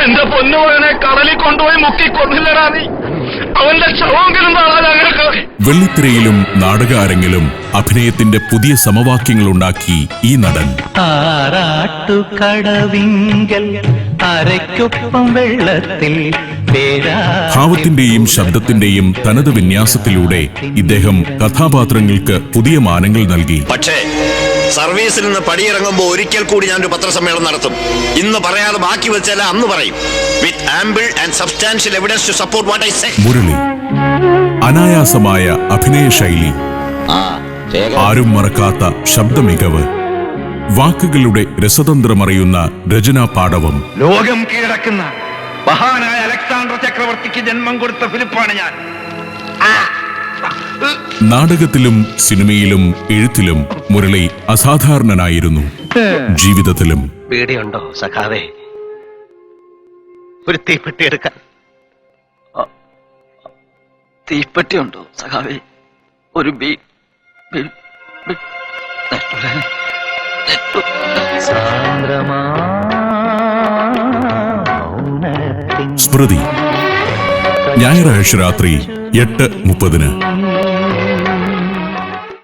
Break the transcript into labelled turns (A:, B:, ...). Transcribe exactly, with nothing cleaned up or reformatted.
A: എന്റെ പൊന്നുമകനെ കടലിൽ കൊണ്ടുപോയി മുക്കിക്കൊന്നില്ലടാ നീ. അവന്റെ ശവമെങ്കിലും കാണാൻ ഞങ്ങൾക്ക്.
B: വെള്ളിത്തിരയിലും നാടക അരങ്ങിലും അഭിനയത്തിന്റെ പുതിയ സമവാക്യങ്ങൾ ഉണ്ടാക്കി ഈ നടൻ.
C: ആറാട്ടുകടവിങ്കൽ അരയ്ക്കൊപ്പം വെള്ളത്തിൽ
B: ഭാവത്തിന്റെയും ശബ്ദത്തിന്റെയും തനത് വിന്യാസത്തിലൂടെ ഇദ്ദേഹം കഥാപാത്രങ്ങൾക്ക് പുതിയ മാനങ്ങൾ നൽകി.
D: പക്ഷേ സർവീസിൽ നിന്ന് പടിയിറങ്ങുമ്പോൾ ഒരിക്കൽ കൂടി ഞാനൊരു പത്രസമ്മേളനം നടത്തും. ഇന്ന് പറയാതെ ബാക്കി വെച്ചാൽ അന്ന് പറയും. With ample and substantial evidence to support what I say.
B: Murali അനായാസമായ അഭിനയ ശൈലി, ആരും മറക്കാത്ത ശബ്ദമികവ്, വാക്കുകളുടെ രസതന്ത്രമറിയുന്ന രചനാ പാടവം.
A: ലോകം കീഴടക്കുന്ന മഹാനായ അലക്സാണ്ടർ ചക്രവർത്തിക്ക് ജന്മം കൊടുത്ത ഫിലിപ്പാണ് ഞാൻ.
B: നാടകത്തിലും സിനിമയിലും എഴുത്തിലും മുരളി അസാധാരണനായിരുന്നു. ജീവിതത്തിലും.
C: പേടിയുണ്ടോ സഖാവേ? ഒരു തീപ്പെട്ടി എടുക്കാൻ.
E: തീപ്പെട്ടി ഉണ്ടോ സഖാവേ? ഒരു ബി
B: സ്മൃതി ഞായറാഴ്ച രാത്രി എട്ട് മുപ്പതിന്.